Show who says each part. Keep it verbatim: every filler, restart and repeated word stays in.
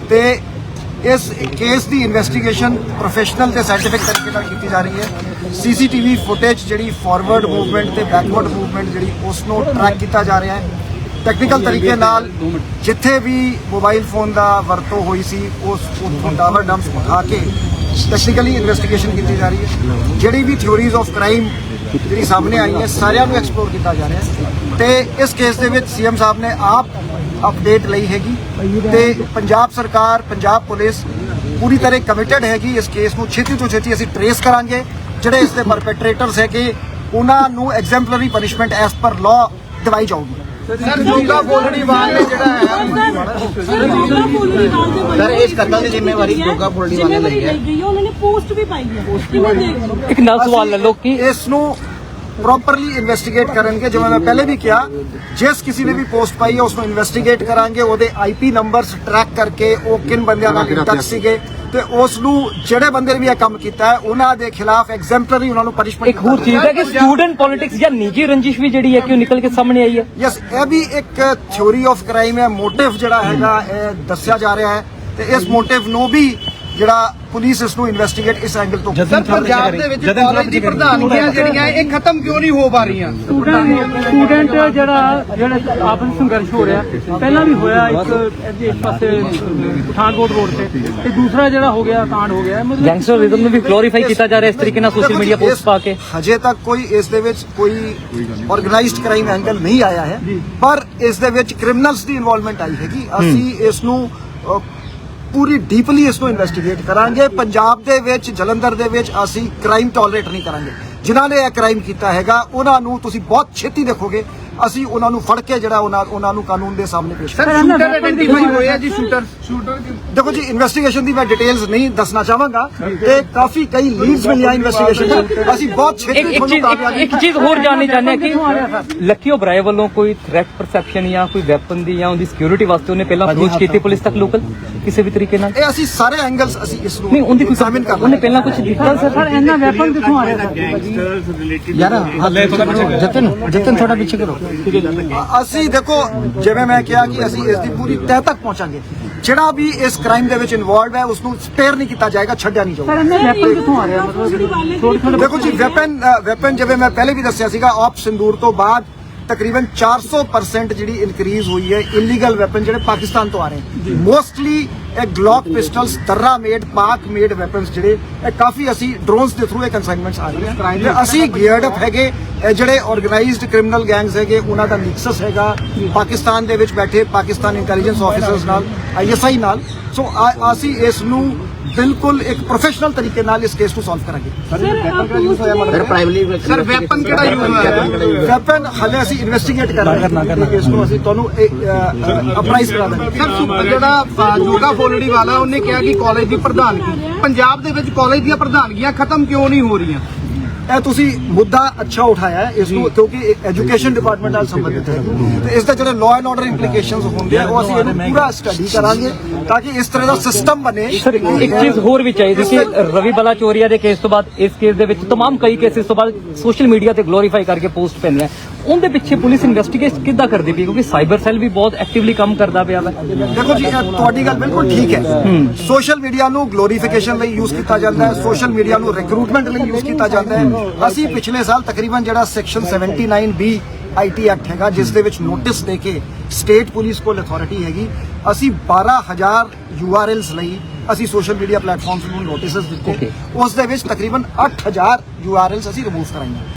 Speaker 1: ਤੇ इस केस की इन्वेस्टिगेशन प्रोफेशनल ते साइंटिफिक तरीके नाल कीती जा रही है। सीसीटीवी फुटेज जिहड़ी फॉरवर्ड मूवमेंट ते बैकवर्ड मूवमेंट जिहड़ी उसनों ट्रैक किया जा रहा है। टैक्नीकल तरीके नाल जिथे भी मोबाइल फोन का वरतों हुई सी उस उत्थों टावर डंप्स उठा के टैक्नीकली इन्वेस्टिगेशन की जा रही है। जिहड़ी भी थ्योरीज ऑफ क्राइम जिहड़ी सामने आई है सारियां नूं एक्सप्लोर किया जा रहा है। ते इस केस दे विच सीएम साहब ने आप अपडेट लई हैगी ते पंजाब सरकार पंजाब पुलिस पूरी तरह कमिटेड हैगी। इस केस नूं छेती तो छेती असीं ट्रेस करांगे। जिहड़े इस दे परपेट्रेटर्स है कि उन्हां नूं exemplary punishment as per law दिवाई जाऊगी।
Speaker 2: सर जोगा फुलड़ीवाल ने जिहड़ा है सर इस कतल की जिम्मेवारी जोगा फुलड़ीवाल ने ਲਈ है।
Speaker 3: उन्होंने पोस्ट भी पाई है।
Speaker 4: एक नल सवाल ले लो कि
Speaker 1: इस नूं प्रॉपरली इन्वेस्टिगेट करेंगे। जिवें मैं पहले भी किया जिस किसी ने भी पोस्ट पाई है उसको इन्वेस्टिगेट करांगे। ਉਹਦੇ आईपी नंबर्स ट्रैक करके ਉਹ ਕਿਨ ਬੰਦਿਆਂ ਨਾਲ ਕੰਟੈਕਟ ਸੀਗੇ ਤੇ ਉਸ ਨੂੰ ਜਿਹੜੇ ਬੰਦੇ ਨੇ ਵੀ ਇਹ ਕੰਮ ਕੀਤਾ ਹੈ ਉਹਨਾਂ ਦੇ ਖਿਲਾਫ ਐਗਜ਼ੈਂਪਲਰੀ ਉਹਨਾਂ ਨੂੰ ਪਨਿਸ਼ਮੈਂਟ।
Speaker 4: ਇੱਕ ਹੋਰ ਚੀਜ਼ ਹੈ ਕਿ ਸਟੂਡੈਂਟ ਪੋਲਿਟਿਕਸ ਜਾਂ ਨਿੱਜੀ ਰੰਜਿਸ਼ ਵੀ ਜਿਹੜੀ ਹੈ ਕਿ ਉਹ ਨਿਕਲ ਕੇ ਸਾਹਮਣੇ ਆਈ ਹੈ।
Speaker 1: ਯਸ ਇਹ ਵੀ ਇੱਕ ਥਿਉਰੀ ਆਫ ਕ੍ਰਾਈਮ ਹੈ। ਮੋਟਿਵ ਜਿਹੜਾ ਹੈਗਾ ਇਹ ਦੱਸਿਆ ਜਾ ਰਿਹਾ ਹੈ ਤੇ ਇਸ ਮੋਟਿਵ ਨੂੰ ਵੀ ਜਿਹੜਾ ਪੁਲਿਸ ਇਸ ਨੂੰ ਇਨਵੈਸਟੀਗੇਟ ਇਸ ਐਂਗਲ ਤੋਂ।
Speaker 2: ਸਰ ਪੰਜਾਬ ਦੇ ਵਿੱਚ ਕਾਲਜ ਦੀ ਪ੍ਰਧਾਨਗੀਆਂ ਜਿਹੜੀਆਂ ਇਹ ਖਤਮ ਕਿਉਂ ਨਹੀਂ ਹੋ ਪਾ ਰਹੀਆਂ?
Speaker 5: ਸਟੂਡੈਂਟ ਸਟੂਡੈਂਟ ਜਿਹੜਾ ਜਿਹੜਾ ਆਪਨ ਸੰਘਰਸ਼ ਹੋ ਰਿਹਾ ਪਹਿਲਾਂ ਵੀ ਹੋਇਆ ਇੱਕ ਇਸ ਪਾਸੇ ਪਠਾਨਕੋਟ ਰੋਡ ਤੇ ਤੇ ਦੂਸਰਾ ਜਿਹੜਾ ਹੋ ਗਿਆ ਕਾਂਡ ਹੋ ਗਿਆ ਮਤਲਬ
Speaker 4: ਗੈਂਗਸਟਰਿਜ਼ਮ ਨੂੰ ਵੀ ਗਲੋਰੀਫਾਈ ਕੀਤਾ ਜਾ ਰਿਹਾ ਇਸ ਤਰੀਕੇ ਨਾਲ ਸੋਸ਼ਲ ਮੀਡੀਆ ਪੋਸਟ ਪਾ ਕੇ।
Speaker 1: ਹਜੇ ਤੱਕ ਕੋਈ ਇਸ ਦੇ ਵਿੱਚ ਕੋਈ ਆਰਗੇਨਾਈਜ਼ਡ ਕ੍ਰਾਈਮ ਐਂਗਲ ਨਹੀਂ ਆਇਆ ਹੈ ਪਰ ਇਸ ਦੇ ਵਿੱਚ ਕ੍ਰਿਮੀਨਲਸ ਦੀ ਇਨਵੋਲਵਮੈਂਟ ਆਈ ਹੈਗੀ। ਅਸੀਂ ਇਸ ਨੂੰ ਪੂਰੀ ਡੀਪਲੀ ਇਸ ਨੂੰ ਇਨਵੈਸਟੀਗੇਟ ਕਰਾਂਗੇ। ਪੰਜਾਬ ਦੇ ਵਿੱਚ ਜਲੰਧਰ ਦੇ ਵਿੱਚ ਅਸੀਂ ਕ੍ਰਾਈਮ ਟੋਲਰੇਟ ਨਹੀਂ ਕਰਾਂਗੇ। ਜਿਨ੍ਹਾਂ ਨੇ ਇਹ ਕ੍ਰਾਈਮ ਕੀਤਾ ਹੈਗਾ ਉਹਨਾਂ ਨੂੰ ਤੁਸੀਂ ਬਹੁਤ ਛੇਤੀ ਦੇਖੋਗੇ ਅਸੀਂ ਉਹਨਾਂ ਨੂੰ ਫੜ ਕੇ ਜਿਹੜਾ ਉਹਨਾਂ ਉਹਨਾਂ ਨੂੰ ਕਾਨੂੰਨ ਦੇ ਸਾਹਮਣੇ ਪੇਸ਼
Speaker 2: ਸਰ ਸ਼ੂਟਰ ਆਇਡੈਂਟੀਫਾਈ ਹੋਇਆ ਜੀ ਸ਼ੂਟਰ ਸ਼ੂਟਰ
Speaker 1: ਦੇਖੋ ਜੀ ਇਨਵੈਸਟੀਗੇਸ਼ਨ ਦੀ ਮੈਂ ਡਿਟੇਲਸ ਨਹੀਂ ਦੱਸਣਾ ਚਾਹਾਂਗਾ ਤੇ ਕਾਫੀ ਕਈ ਲੀਡਸ ਮਿਲੀਆਂ ਇਨਵੈਸਟੀਗੇਸ਼ਨ ਚ ਅਸੀਂ ਬਹੁਤ ਛੇਤੀ
Speaker 4: ਇੱਕ ਇੱਕ ਚੀਜ਼ ਇੱਕ- ਇੱਕ ਚੀਜ਼ ਹੋਰ ਜਾਣਨੀ ਚਾਹੁੰਦੇ ਹਾਂ ਕਿ ਲੱਕੀ ਓਬਰਾਏ ਵੱਲੋਂ ਕੋਈ ਥ੍ਰੈਟ ਪਰਸੈਪਸ਼ਨ ਜਾਂ ਕੋਈ ਵੈਪਨ ਦੀ ਜਾਂ ਉਹਦੀ ਸਿਕਿਉਰਿਟੀ ਵਾਸਤੇ ਉਹਨੇ ਪਹਿਲਾਂ ਅਪਰੋਚ ਕੀਤੀ ਪੁਲਿਸ ਤੱਕ ਲੋਕਲ ਕਿਸੇ ਵੀ ਤਰੀਕੇ ਨਾਲ?
Speaker 1: ਇਹ ਅਸੀਂ ਸਾਰੇ ਐਂਗਲਸ ਅਸੀਂ ਇਸ ਨੂੰ
Speaker 4: ਨਹੀਂ ਉਹਦੀ ਕੋਈ
Speaker 1: ਐਗਜ਼ਾਮਿਨ ਕਰ
Speaker 4: ਉਹਨੇ ਪਹਿਲਾਂ ਕੁਝ ਦਿੱਤਾ ਸਰ?
Speaker 5: ਸਰ ਇਹਨਾਂ ਵੈਪਨ ਕਿੱਥੋਂ ਆ ਰਿਹਾ ਸਰ?
Speaker 1: ਯਾਰ ਜਤਨ ਜਤਨ ਥੋੜਾ ਪਿੱਛੇ ਕਰੋ। ਅਸੀਂ ਦੇਖੋ ਜਿਵੇਂ ਮੈਂ ਕਿਹਾ ਕਿ ਅਸੀਂ ਇਸ ਦੀ ਪੂਰੀ ਤਹਿ ਤੱਕ ਪਹੁੰਚਾਂਗੇ। ਜਿਹੜਾ ਵੀ ਇਸ ਕ੍ਰਾਈਮ ਦੇ ਵਿੱਚ ਇਨਵੋਲਵ ਹੈ ਉਸ ਨੂੰ ਸਪੇਅਰ ਨਹੀਂ ਕੀਤਾ ਜਾਏਗਾ, ਛੱਡਿਆ ਨਹੀਂ
Speaker 5: ਸਰ
Speaker 1: ਜਾਊਗਾ।
Speaker 5: ਇਹਨਾਂ ਵੈਪਨ ਕਿੱਥੋਂ ਆ ਰਿਹਾ ਮਤਲਬ ਥੋੜੇ ਥੋੜੇ
Speaker 1: ਦੇਖੋ ਜੀ ਵੈਪਨ ਵੈਪਨ ਜਿਵੇਂ ਮੈਂ ਪਹਿਲੇ ਵੀ ਦੱਸਿਆ ਸੀਗਾ ਆਪ ਸਿੰਦੂਰ ਤੋਂ ਬਾਅਦ ਤਕਰੀਬਨ ਚਾਰ ਸੌ ਪਰਸੈਂਟ ਜਿਹੜੀ ਇਨਕਰੀਜ਼ ਹੋਈ ਹੈ ਇਲੀਗਲ ਵੈਪਨ ਜਿਹੜੇ ਪਾਕਿਸਤਾਨ ਤੋਂ ਆ ਰਹੇ ਮੋਸਟਲੀ ਇਹ Glock pistols Darra made Pak made weapons ਜਿਹੜੇ ਇਹ ਕਾਫੀ ਅਸੀਂ ਡਰੋਨਸ ਦੇ ਥਰੂ ਇਹ ਕਨਸਾਈਨਮੈਂਟਸ ਆ ਰਹੀਆਂ ਤੇ ਅਸੀਂ ਗੀਅਰਡ ਅਪ ਹੈਗੇ। ਇਹ ਜਿਹੜੇ ਆਰਗੇਨਾਈਜ਼ਡ ਕ੍ਰਿਮੀਨਲ ਗੈਂਗਸ ਹੈਗੇ ਉਹਨਾਂ ਦਾ ਮਿਕਸਸ ਹੈਗਾ ਪਾਕਿਸਤਾਨ ਦੇ ਵਿੱਚ ਬੈਠੇ ਪਾਕਿਸਤਾਨ ਇੰਟੈਲੀਜੈਂਸ ਆਫੀਸਰਸ ਨਾਲ ਆਈਐਸਆਈ ਨਾਲ। ਸੋ ਅਸੀਂ ਇਸ ਨੂੰ ਬਿਲਕੁਲ ਇੱਕ ਪ੍ਰੋਫੈਸ਼ਨਲ ਤਰੀਕੇ ਨਾਲ ਇਸ ਕੇਸ ਨੂੰ ਸੋਲਵ ਕਰਾਂਗੇ।
Speaker 2: ਸਰ ਪ੍ਰਾਈਮਰੀ ਸਰ ਵੈਪਨ ਕਿਹੜਾ ਯੂਜ਼ ਹੋਇਆ?
Speaker 1: ਵੈਪਨ ਹਲੇ ਅਸੀਂ ਇਨਵੈਸਟੀਗੇਟ ਕਰ ਰਹੇ ਹਾਂ ਕੇਸ ਨੂੰ ਅਸੀਂ ਤੁਹਾਨੂੰ ਅਪਰਾਈਜ਼ ਕਰਾ ਦਾਂਗੇ।
Speaker 2: ਸਰ ਜਿਹੜਾ ਜੋਗਾ ਫੁਲੜੀਵਾਲ ਆ ਉਹਨੇ ਕਿਹਾ ਕਿ ਕਾਲਜ ਦੀ ਪ੍ਰਧਾਨਗੀ ਪੰਜਾਬ ਦੇ ਵਿੱਚ ਕਾਲਜ ਦੀਆਂ ਪ੍ਰਧਾਨਗੀਆਂ ਖਤਮ ਕਿਉਂ ਨਹੀਂ ਹੋ ਰਹੀਆਂ?
Speaker 1: ਇਹ ਤੁਸੀਂ ਮੁੱਦਾ ਅੱਛਾ ਉਠਾਇਆ ਹੈ ਇਸ ਨੂੰ ਕਿਉਂਕਿ ਐਜੂਕੇਸ਼ਨ ਡਿਪਾਰਟਮੈਂਟ ਨਾਲ ਸੰਬੰਧਿਤ ਹੈ ਤੇ ਇਸ ਦੇ ਜਿਹੜੇ ਲਾਅ ਐਂਡ ਆਰਡਰ ਇੰਪਲੀਕੇਸ਼ਨਸ ਹੁੰਦੇ ਆ ਉਹ ਅਸੀਂ ਇਹਨੂੰ ਪੂਰਾ ਸਟੱਡੀ ਕਰਾਂਗੇ ਤਾਂ ਕਿ ਇਸ ਤਰ੍ਹਾਂ ਦਾ ਸਿਸਟਮ ਬਣੇ।
Speaker 4: ਸਰ ਇੱਕ ਚੀਜ਼ ਹੋਰ ਵੀ ਚਾਹੀਦੀ ਕਿ ਰਵੀ ਬਲਾਚੌਰੀਆ ਦੇ ਕੇਸ ਤੋਂ ਬਾਅਦ ਇਸ ਕੇਸ ਦੇ ਵਿੱਚ तमाम ਕਈ ਕੇਸਿਸ ਤੋਂ ਬਾਅਦ ਸੋਸ਼ਲ ਮੀਡੀਆ ਤੇ ਗਲੋਰੀਫਾਈ ਕਰਕੇ ਪੋਸਟ ਪੈਂਦੀਆਂ ਉਹਦੇ ਪਿੱਛੇ ਪੁਲਿਸ ਇਨਵੈਸਟੀਗੇਟ ਕਿੱਦਾਂ ਕਰਦੀ ਪਈ ਕਿਉਂਕਿ ਸਾਈਬਰ ਸੈੱਲ ਵੀ ਬਹੁਤ ਐਕਟਿਵਲੀ ਕੰਮ ਕਰਦਾ ਪਿਆ ਵਾ।
Speaker 1: ਦੇਖੋ ਜੀ ਤੁਹਾਡੀ ਗੱਲ ਬਿਲਕੁਲ ਠੀਕ ਹੈ। ਸੋਸ਼ਲ ਮੀਡੀਆ ਨੂੰ ਗਲੋਰੀਫਿਕੇਸ਼ਨ ਲਈ ਯੂਜ਼ ਕੀਤਾ ਜਾਂਦਾ ਹੈ, ਸੋਸ਼ਲ ਮੀਡੀਆ ਨੂੰ ਰਿਕਰੂਟਮੈਂਟ ਲਈ ਯੂਜ਼ ਕੀਤਾ ਜਾਂਦਾ ਹੈ। ਅਸੀਂ ਪਿਛਲੇ ਸਾਲ ਤਕਰੀਬਨ ਜਿਹੜਾ section seventy nine B IT act ਹੈਗਾ ਜਿਸ ਦੇ ਵਿੱਚ ਨੋਟਿਸ ਦੇ ਕੇ ਸਟੇਟ ਪੁਲਿਸ ਕੋਲ ਅਥਾਰਟੀ ਹੈਗੀ ਅਸੀਂ ਬਾਰਾਂ ਹਜ਼ਾਰ ਯੂਆਰਐਲਸ ਲਈ ਅਸੀਂ ਸੋਸ਼ਲ ਮੀਡੀਆ ਪਲੇਟਫਾਰਮਸ ਨੂੰ ਨੋਟਿਸਸ ਦਿੱਤੇ ਉਸ ਦੇ ਵਿੱਚ ਤਕਰੀਬਨ ਅੱਠ ਹਜ਼ਾਰ ਯੂਆਰਐਲਸ ਅਸੀਂ ਰਿਮੂਵ ਕਰਾਈਆਂ।